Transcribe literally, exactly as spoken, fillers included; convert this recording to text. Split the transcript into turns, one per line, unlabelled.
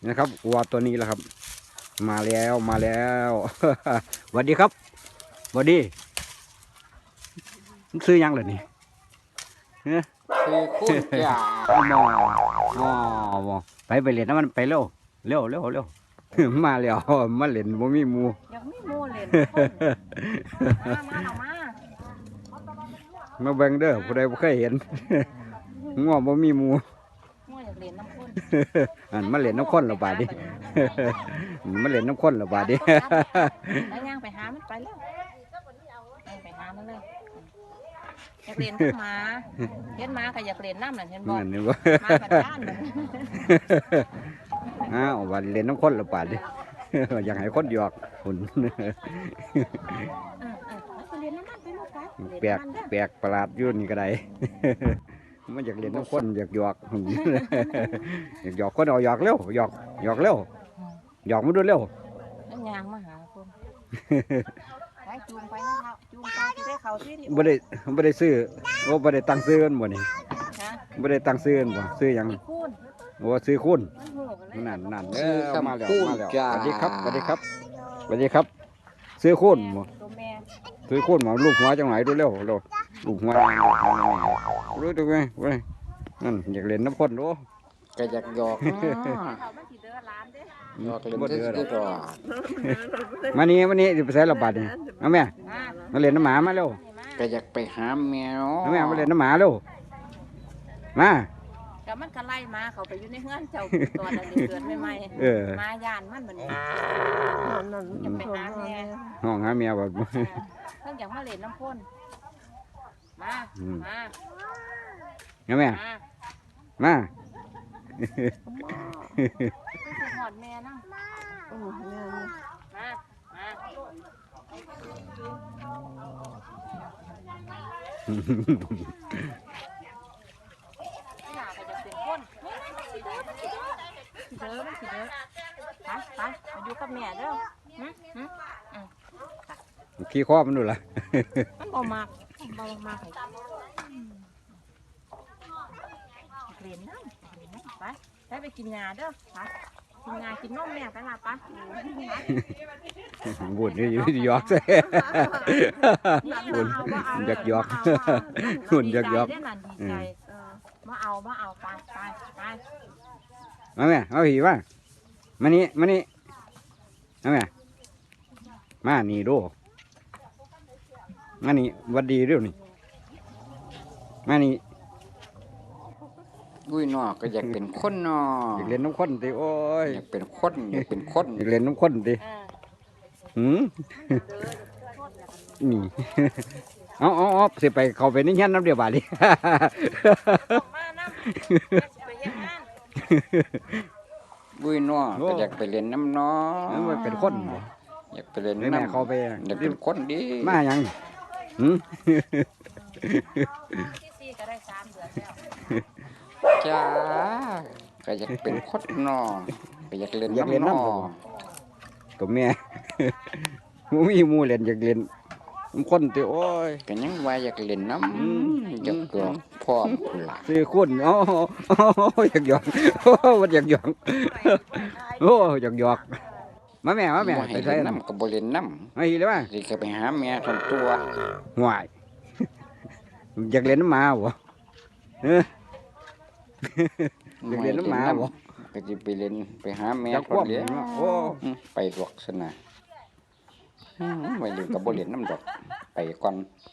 นะครับวัวตัวนี้แหละครับมาแล้วมาแล้วสวัสดีครับสวัสดีซื้อยังเลยนี่เนี่ย
คือคุณจ่าม
อมอไปไปเล่นน้ำมันไปเร็วเร็วเร็วเร็วมาแล้วมาเล่นบ่มีหมู
ยังไม่โมเล่นมามาเอามา
มาเบิ่งเด้อผู้ใดบ่เคยเห็นง้อบ่มีหมู
ง่วอยากเล่นน้ำข้น
อันมาเล่นน้ำข้นและบาดดิมาเล่นน้ำข้นและบาดดิ
แล้วย่างไปหามันไปแล้วไปหามันเลยอยากเล่นกับหมาเห็นหมาก็อยากเล่นน้ำน่ะเห็นบ่
นั่นนี่บ่
หมากับด้านเลย
อ้าววันเล่นน้ำข้นและบาดดิอยากให้คนหยอกหุ่น
เออเออไปเล่นน้ำมันไปลูกไป
แปลกแปลกประหลาดอยู่นี่ก็ได้ มันอยากเล่นน้ำข้นอยากหยอก อยากหยอกคนเอาหยอกเร็วหยอกหยอกเร็วหยอกมาดูเร็ว
แล้วย่างมาหาคนไปจูงไปนะครับจูงไปที่ได้เขาที่ที่
บ่ได้บ่ได้ซื้อโอ้บ่ได้ตั้งซื้อกันบ่นี่
ฮะ
บ่ได้ตั้งซื้อกันบ่ซื้อหยัง
ที่คูน
โอ้ซื้อคุณ
มันหูกันเลย
นั่นนั่นเอ
คือ
อมาแล้ว
คำพูด
มาแล้ว
จ้า
สวัสดีครับสวัสดีครับสวัสดีครับ ซื้อคุณบ่
ตัวแม่
ซื้อคุณบ่ลูกหัวจังไหนดูเร็วเร็วลูกหัวลูกหัวรู้ดูไงเว้ยนั่นอยากเล่นน้ำข้นโอ้
ก็อยากหยอกเนาะ
เขามันสิเด้อร้านเด้
หยอกเล่น
บ่
ที่
เดือด
สุดหรอ
มานี่มานี่สิไปใส่ระบาดนี่เอาแม่
มา
มาเล่นน้ำหมามาเร็ว
นี่มา
ก็อยากไปหาแมว
เอาแม่มาเล่นน้ำหมาเร็วมา
ก็มันก็ไล่มาเขาไปอยู่ในเฮือนเจ้าตอนนั้นเกิดใหม่
เออ
ๆมายานมันเหมือนจะไปหาแม่
ห้องหาเมียแบบ
เพิ่งอยากมาเล่นน้ำพ่นมา
อืม
มา
เอาแม่
มา
มา
คือหอดแม่นะมามาอยากจะเป็นคนสิเด้อสิเด้อสิเด้อสิเด้อไปไปมาอยู่กับแม่เด้อหึหึ
ขี้ครอบมันดูล่ะ
มันบ่มากบ่มากให้เรียนน้ำเรียนน้ำไปไปไปกินยาเด้อไปกินยากินนมแม่ไปละไป
บุญนี่หยอกใส่บุญอยากหยอกบุญอยากหยอก
ดีใจดีใจเออมาเอามาเอาไปไปไป
มาแม่เอาผีว่ามานี่มานี่เอาแม่มานี่ดูมานี่วัดดีเร็วนี่มานี่
อุ้ยเนาะก็อยากเป็นคนเนาะ
อยากเล่นน้ำข้นติโอ้ย
อยากเป็นคนอยากเป็นคน
อยากเล่นน้ำข้นติ
เออ
หืมนี่ เอาเอาเอาสิไปเข้าไปในเฮียนน้ำเดียวบาดดิ
ออกมาน้ำไปเฮ็ดงาน
อุ้ยเนาะก็อยากไปเล่นน้ำเนาะ
มันเป็นคนบ่
อยากไปเล่น
แม่
น้ำ
เข้าไป
อยากเป็นคนดี
มาหยังหืม
ที่สี่ก็ได้สามเดือนแล้ว
จ้าก็อยากเป็นคนเนาะก็อยากเล่น
อยากเล่น
น้ำ
น้ำ
เนาะ
บ่ตัวแม่ มูมีหมูเล่นอยากเล่นน้ำข้นติโอ้ย
ก็ยังว่าอยากเล่นน้
อืม
ำอยากหยอกพ่อคุณล่ะ
ซื้อคุณโอ้โอ้อยากหยอกโอ้มันอยากหยอกโอ้อยากหยอกมาแม่มาแม่
บ่
ไป
ให้
ใส่
เล่น
น้
น้ำก็บ่เล่นน้
ำมาอีเลยว่า
ำสิก็ไปหาแม่ทำตัว
ห่วยอยากเล่นน้ำหมาบ่เออ อยากเล่นน้ำหมาบ่
ก็จะไปเล่นไปหาแม่
อยาก
ค
ควบ
นเลี้ยง
โอ้
อืมไปหลอกสนะอืมไปเล่นกับบ่เล่นน้ำดอกไปก่อน